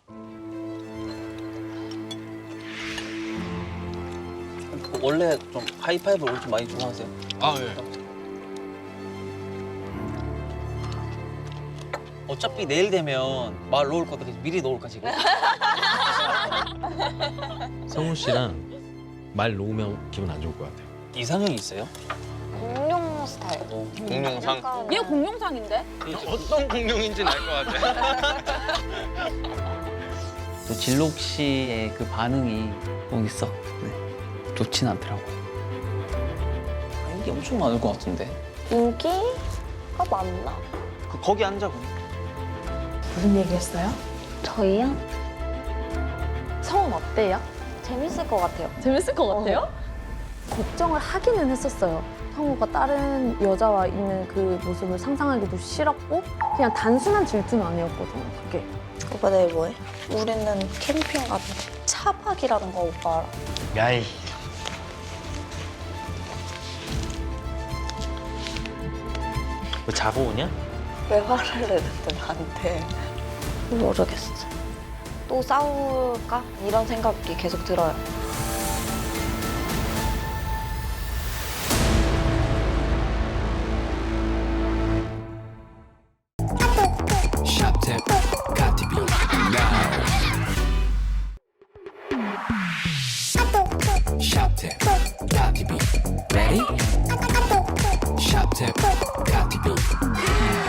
원래 좀 하이파이브를 좀 많이 좋아하세요? 아, 예. 어차피 내일 되면 말 놓을 거다 그래서 미리 놓을까 지금? 성훈 씨랑 말 놓으면 기분 안 좋을 것 같아요. 이상형이 있어요? 공룡 스타일. 공룡상. 약간 얘 공룡상인데? 어떤 공룡인지는 알 것 같아. 또 진록 씨의 그 반응이 거기 썩 좋진 않더라고. 인기 엄청 많을 것 같은데. 인기가 많나? 거기 앉아고. 무슨 얘기했어요? 저희요? 성은 어때요? 재밌을 것 같아요. 재밌을 것 같아요? 걱정을 하기는 했었어요. 성우가 다른 여자와 있는 그 모습을 상상하기도 싫었고 그냥 단순한 질투는 아니었거든요, 그게. 오빠 내일 뭐해? 우리는 캠핑 가자. 차박이라는 거 오빠 알아? 야이. 뭐 자고 오냐? 왜 화를 내는데 나한테? 모르겠어. 또 싸울까? 이런 생각이 계속 들어요. 샵탭 카티비 now 샵탭 카티비 ready 샵탭 카티비